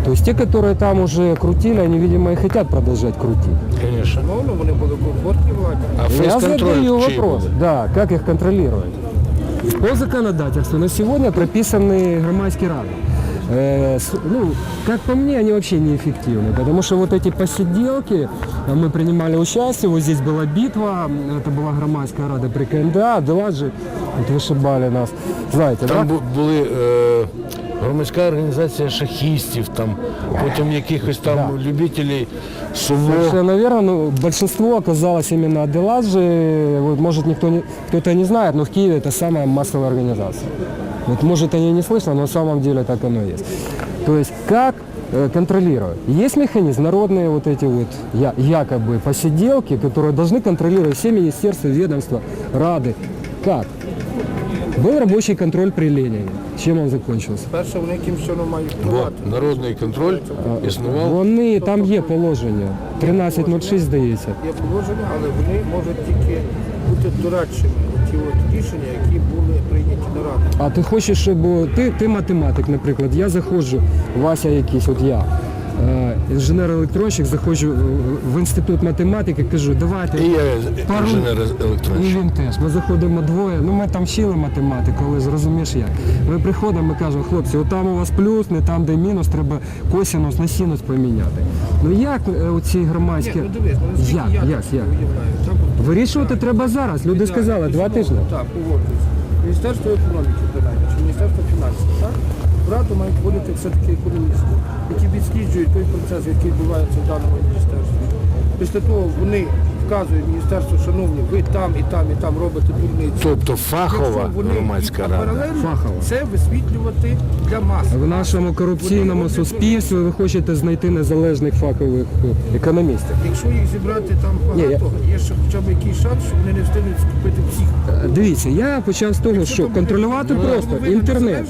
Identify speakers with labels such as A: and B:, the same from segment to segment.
A: То есть те, которые там уже крутили, они, видимо, и хотят продолжать крутить.
B: Звісно.
C: Ну, вони були комфортні владі.
B: А
A: Я
B: фейс-контроль
A: задаю
B: чий
A: вопрос,
B: буде?
A: да, как их контролировать. По законодательству на сегодня прописаны громадские рады. Ну, как по мне, они вообще неэффективны, потому что вот эти посиделки, мы принимали участие, вот здесь была битва, это была громадская рада при КНДА, Деладжи, вот вышибали нас, знаете,
B: Там
A: да?
B: були громадська організація шахістів, там, потім якихось там любителів сумо.
A: Совершенно верно, но большинство оказалось именно от Деладжи, вот, может кто-то не знает, но в Киеве это самая массовая организация. Вот, может они не слышно, но на самом деле так оно и есть. То есть как контролировать? Есть механизм, народные вот эти вот якобы посиделки, которые должны контролировать все министерства, ведомства, рады. Как? Был рабочий контроль при Ленине. Чем он закончился?
C: Перше, вони якимось чином мають
B: Бо
C: впливати.
B: народний контроль існував.
A: Вони, там є положення. 13.06, здається.
C: Є положення, але вони можуть тільки бути дорадчими. Ті от рішення, які були прийняті на раді.
A: А ти хочеш, щоб ти математик, наприклад, я заходжу, Вася якийсь, от я, інженер-електронщик, заходжу в інститут математики, кажу, давайте.
B: І я
A: пару-
B: інженер
A: І
B: електронщик.
A: він теж. Ми заходимо двоє, ну ми там вчили математику, але ж розумієш як. Ми приходимо, ми кажемо, хлопці, от там у вас плюс, не там, де мінус, треба косинус на синус поміняти. Ну як оці громадські...
C: Ні, ну дивись, ну, наскільки
A: Як?
C: я так уявляю. Там от
A: Вирішувати треба зараз. Люди сказали, 2 тижні.
C: Так, погоджуюсь. Міністерство економіки, принаймні, чи Міністерство фінансів, так? В Раду мають входити все-таки економісти, які відсліджують той процес, який відбувається в даному міністерстві. Після того вони вказують міністерству, шановні, ви там і там і там робите дурниці.
B: Тобто фахова
C: Якщо вони
B: громадська
C: їх
B: рада.
C: паралельно
A: Фахова.
C: це висвітлювати для маси.
A: В нашому корупційному суспільстві ви хочете знайти незалежних фахових економістів.
C: Якщо їх зібрати там
A: Ні,
C: багато, є ще хоча б якийсь шанс, що вони не встигнуть скупити всіх.
A: Дивіться, я почав з того, що контролювати просто інтернет.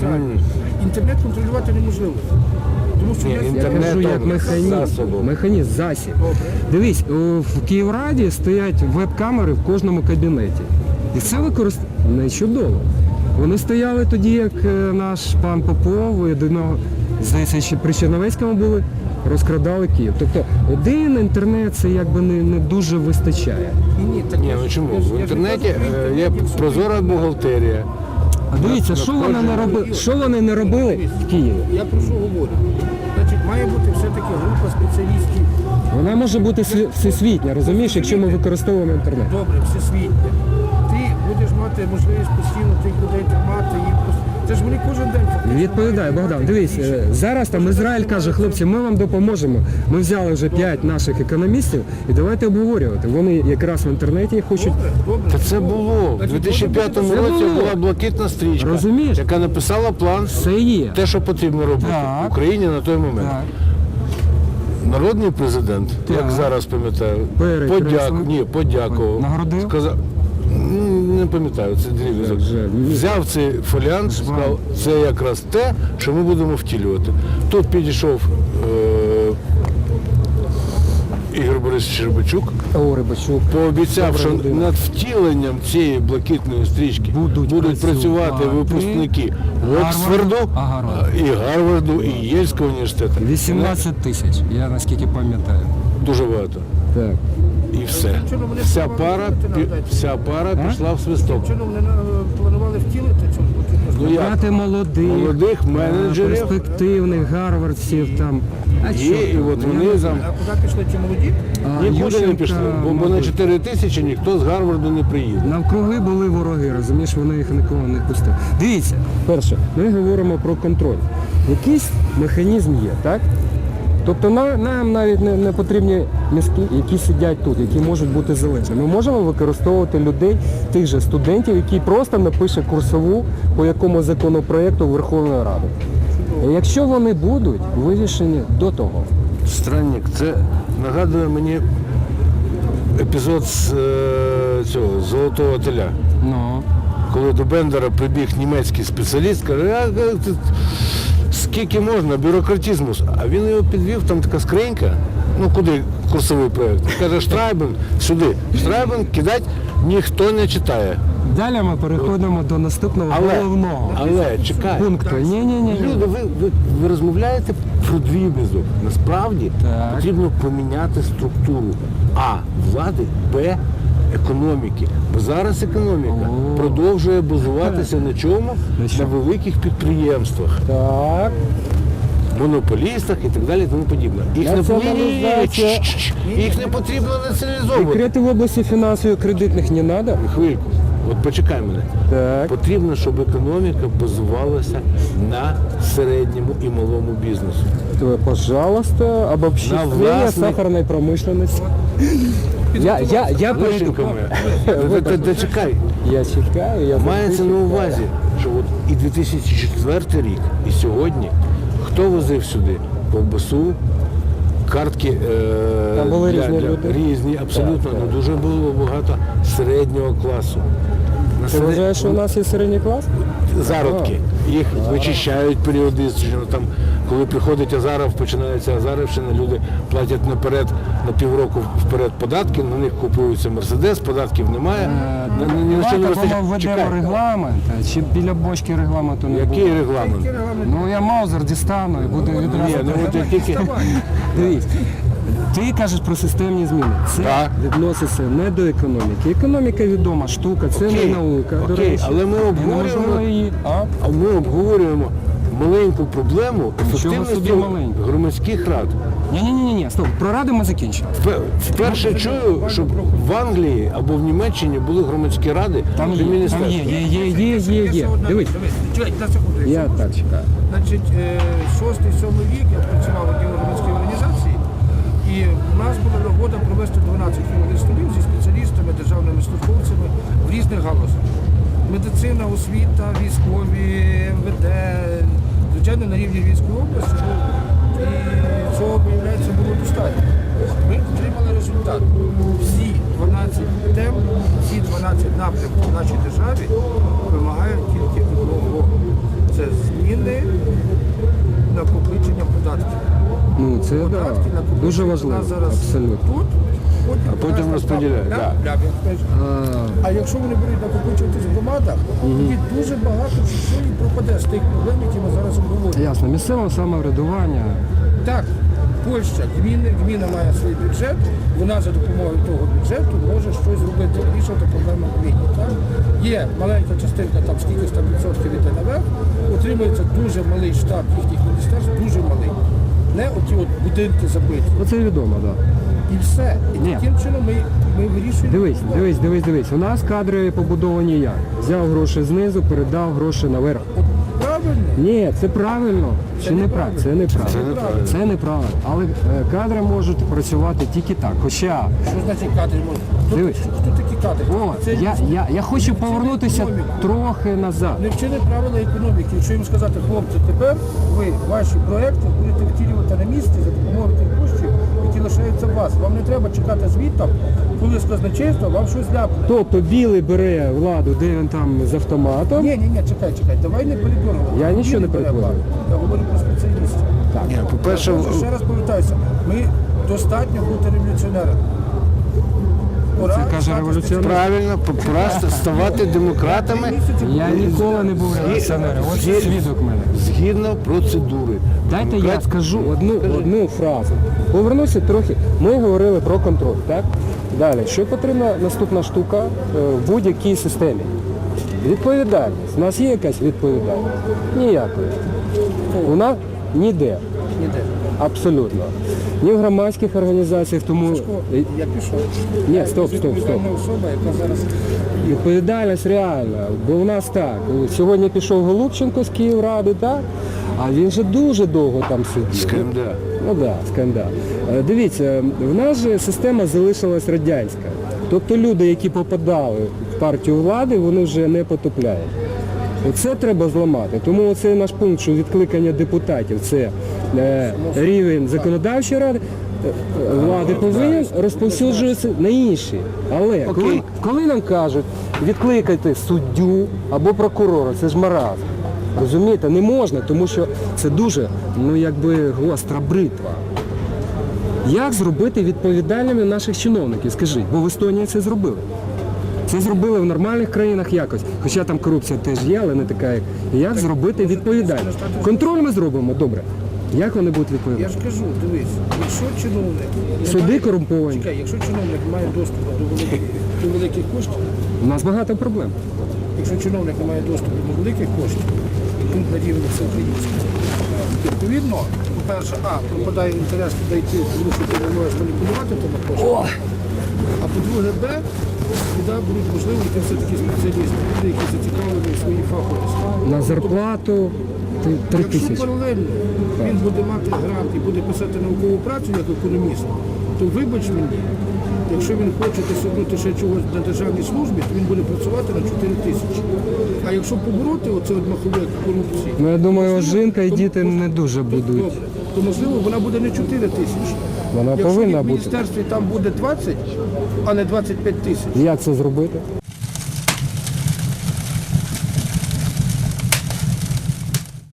C: Інтернет контролювати неможливо. Тому що
B: Ні,
C: є
A: Я
B: інтернет
A: кажу, як
B: там
A: механізм,
B: засобом.
A: механізм, засіб. Дивись, в Київраді стоять веб-камери в кожному кабінеті. І це використовує чудово. Вони стояли тоді, як наш пан Попов, і до нього, здається, ще при Черновецькому були, розкрадали Київ. Тобто один інтернет це якби не дуже вистачає.
C: Ні, так
B: Ні, ну чому? В інтернеті є прозора бухгалтерія.
A: А дивіться, що вони не робили в Києві?
C: Я про що говорю? Значить, має бути все-таки група спеціалістів.
A: Вона може бути всесвітня, розумієш, якщо ми використовуємо інтернет.
C: Добре, всесвітня. Ти будеш мати можливість постійно тих людей тримати. Це ж вони кожен день фактично.
A: Відповідає,
C: мають
A: Богдан,
C: приймати
A: дивись,
C: рішення.
A: зараз там Ізраїль каже, хлопці, ми вам допоможемо. Ми взяли вже 5 наших економістів і давайте обговорювати. Вони якраз в інтернеті хочуть.
C: Добре.
B: Та це було. У 2005 році
A: було.
B: була блакитна стрічка,
A: Розумієш?
B: яка написала план,
A: Все є.
B: те, що потрібно робити
A: Так.
B: в Україні на той момент.
A: Так.
B: Народний президент, як
A: Так.
B: зараз пам'ятаю,
A: Перекреслив.
B: подякував.
A: Нагородив?
B: Сказав, не пам'ятаю, це дріб'язок.
A: Так, жаль.
B: Взяв цей фоліант, сказав, це якраз те, що ми будемо втілювати. Тут підійшов Ігор Борисович Рибачук,
A: О, Рибачук.
B: пообіцяв, що
A: Добра людина.
B: над втіленням цієї блакитної стрічки
A: Будуть
B: працювати
A: працювати
B: випускники Оксфорду,
A: Гарварду.
B: і Гарварду, і Єльського університету.
A: 18 тисяч, я наскільки пам'ятаю.
B: Дуже багато.
A: Так.
B: І все. Вся пара пішла в свисток.
C: Чином вони планували втілити цю блакитну
B: Ну, як?
A: Брати
B: Молодих менеджерів
A: перспективних гарвардців там. А
B: є,
A: що
B: і
A: там?
B: от вони там
C: А куди пішли ті молоді?
B: нікуди не
A: Ющенка,
B: пішли, бо на
A: мабуть.
B: 4 тисячі ніхто з Гарварду не приїде.
A: Навкруги були вороги, розумієш, вони їх нікого не пустили. Дивіться, перше, ми говоримо про контроль. Якийсь механізм є, так? Тобто нам навіть не потрібні мізки, які сидять тут, які можуть бути залежні. Ми можемо використовувати людей, тих же студентів, які просто напише курсову по якому законопроекту Верховної Ради. І якщо вони будуть вирішені до того.
B: Странник, це нагадує мені епізод з цього Золотого теля.
A: Ну,
B: Коли до Бендера прибіг німецький спеціаліст, каже, скільки можна, бюрократизму. А він його підвів, там така скринька, ну куди курсовий проєкт. Каже, Штрайбен, сюди. Штрайбен кидать ніхто не читає.
A: Далі ми переходимо до наступного головного
B: Але чекай.
A: пункту. Ні.
B: Люди, ви розмовляєте про дріб'язок. Насправді
A: Так.
B: потрібно поміняти структуру А влади, Б економіки. Бо зараз економіка продовжує базуватися на чому? На великих підприємствах,
A: Так.
B: монополістах і так далі, і тому подібне.
A: Націоналізація.
B: Їх не потрібно націоналізовувати.
A: Секрети в області фінансово-кредитних не треба?
B: Хвильку, от почекай мене.
A: Так.
B: Потрібно, щоб економіка базувалася на середньому і малому бізнесу.
A: То, пожалуйста,
B: На
A: обобщение
B: власний-
A: сахарной промышленности. Я перейду.
B: Лишенько моя. Та чекай.
A: Я чекаю, я
B: Мається
A: завжди
B: на
A: чекаю.
B: увазі, що от і 2004 рік, і сьогодні хто возив сюди ковбасу, картки
A: Там були різні люди.
B: різні, абсолютно,
A: Так,
B: але дуже було багато середнього класу. На
A: Ти вважаєш, що у нас є середній клас?
B: зародки. Їх вичищають періодично. Там, коли приходить Азаров, починається Азарівщина, люди платять наперед, на півроку вперед податки, на них купується Мерседес, податків немає. Ні на що не
A: Давайте
B: вистачає.
A: введемо
B: Чекай,
A: регламент, чи біля бочки регламенту не
B: який
A: буде?
B: регламент?
A: Ну я маузер дістану і буду
B: Ні,
A: відразу.
B: ну от я тільки...
A: Дивись, ти кажеш про системні зміни. Це
B: Так.
A: відноситься не до економіки. Економіка відома штука, це
B: Окей,
A: не наука. До
B: окей,
A: речі.
B: але ми
A: І неможливо
B: обговорюємо,
A: її.
B: а ми обговорюємо маленьку проблему
A: собі
B: ефективності
A: маленьку.
B: громадських рад.
A: Ні, стоп, про ради ми закінчимо.
B: Вперше чую, щоб в Англії або в Німеччині були громадські ради
A: Там
B: при
A: є.
B: міністерстві.
A: Дивись,
C: Чекайте, на секунду.
A: я так чекаю.
C: Значить, 6-7 вік я працював в одній громадській організації, і в нас була нагода провести 12 круглих столів зі спеціалістами, державними службовцями в різних галузях. Медицина, освіта, військові, МВД, звичайно, на рівні Львівської області. І цього, виявляється, було достатньо. Ми отримали результат. Всі 12 тем, всі 12 напрямків в нашій державі вимагають тільки одного. Це зміни накопичення податків.
A: Ну це да,
C: Податки накопичення
A: дуже
C: у
A: важливо,
C: нас зараз
A: абсолютно.
C: тут,
B: А потім
C: у нас
B: розподіляють,
C: там
B: да.
C: як кажуть. А якщо вони будуть накопичуватись в громадах, тоді дуже багато що і пропаде з тих проблем, які ми зараз обговорюємо.
A: Ясно, місцеве самоврядування.
C: Так, Польща, гміна має свій бюджет, вона за допомогою того бюджету може щось зробити, вирішувати проблеми в гміні. Так? Є маленька частинка, там скільки там відсотків іде наверх, отримується дуже малий штаб їхніх міністерств, дуже малий. Не оті от будинки забиті.
A: Оце відомо, так. Да.
C: І все. І
A: Ні.
C: таким чином ми вирішуємо.
A: Дивись. У нас кадри побудовані як? Взяв гроші знизу, передав гроші наверх.
C: Правильно?
A: Ні, це правильно. Чи
C: Це
A: неправильно? Це неправильно. Це неправильно. Але кадри можуть працювати тільки так. Хоча,
C: Що значить кадри можуть?
A: Дивись.
C: Хто такі кадри?
A: о,
C: Це
A: я хочу повернутися
C: економіку.
A: трохи назад.
C: не вчили правила економіки. Якщо їм сказати, хлопці, тепер ви ваші проекти будете втілювати на місці за допомогою тих коштів, які лишаються у вас. Вам не треба чекати звідти, коли з казначейства вам щось ляпне.
A: Тобто білий бере владу, де він там з автоматом.
C: Ні, чекай, давай не передборгувати.
A: Я нічого не передборгую.
C: Я говорю про спеціалістів.
B: Ні, по-перше,
C: Ще раз повертаюся, ми достатньо бути революціонерами. Пора
A: Це каже
C: стати
A: революціонер.
B: правильно, пора ставати демократами
A: Я ніколи не був революціонером. Ось
B: Згід-
A: свідок мене.
B: згідно процедури.
A: Дайте я
B: Демократ-
A: скажу одну фразу. Повернуся трохи. Ми говорили про контроль, так? Далі, що потрібна наступна штука в будь-якій системі? Відповідальність. У нас є якась відповідальність? Ніякої. У нас ніде.
C: Ніде.
A: Абсолютно. Ні в громадських організаціях, тому...
C: Я пішов.
A: Ні, стоп.
C: Відповідальна особа, яка зараз
A: Відповідальність реальна, бо у нас так. Сьогодні пішов Голубченко з Київради, так? А він же дуже довго там сидів.
B: Скандал.
A: Ну так, скандал. Дивіться, в нас же система залишилась радянська. Тобто люди, які попадали в партію влади, вони вже не потопляють. Оце треба зламати. Тому оцей наш пункт, що відкликання депутатів, це рівень законодавчої ради, влади повинен розповсюджуватися на інші. Але коли нам кажуть, відкликайте суддю або прокурора, це ж маразм. Розумієте, не можна, тому що це дуже, гостра бритва. Як зробити відповідальними наших чиновників, скажіть, бо в Естонії це зробили. Це зробили в нормальних країнах якось. Хоча там корупція теж є, але не така, як. Як зробити відповідально? Контроль ми зробимо, добре. Як вони будуть
C: Я
A: відповідати?
C: ж кажу, дивись, якщо чиновник не
A: Суди
C: має-
A: корумповані.
C: Чекай, якщо чиновник має доступ до великих коштів,
A: У нас багато проблем.
C: якщо чиновник не має доступу до великих коштів, пункт на рівні всеукраїнського, відповідно, по-перше, пропадає інтерес туди йти, тому що ти не можеш маніпулювати тими коштами. А по-друге, біда будуть можливо йти все-таки спеціалісти, люди, які зацікавлені в своїй фаховості.
A: На зарплату 3
C: Якщо
A: тисячі.
C: паралельно він буде мати грант і буде писати наукову працю як економіст, то вибач мені, якщо він хоче досягнути ще чогось на державній службі, то він буде працювати на 4 тисячі. А якщо побороти оце от маховик корупції,
A: Ну, я думаю, жінка і
C: то-
A: діти
C: то-
A: не дуже будуть.
C: Добре, то можливо вона буде не 4 тисячі.
A: Вона
C: Якщо
A: повинна
C: в
A: бути.
C: міністерстві там буде 20, а не 25 тисяч.
A: Як це зробити?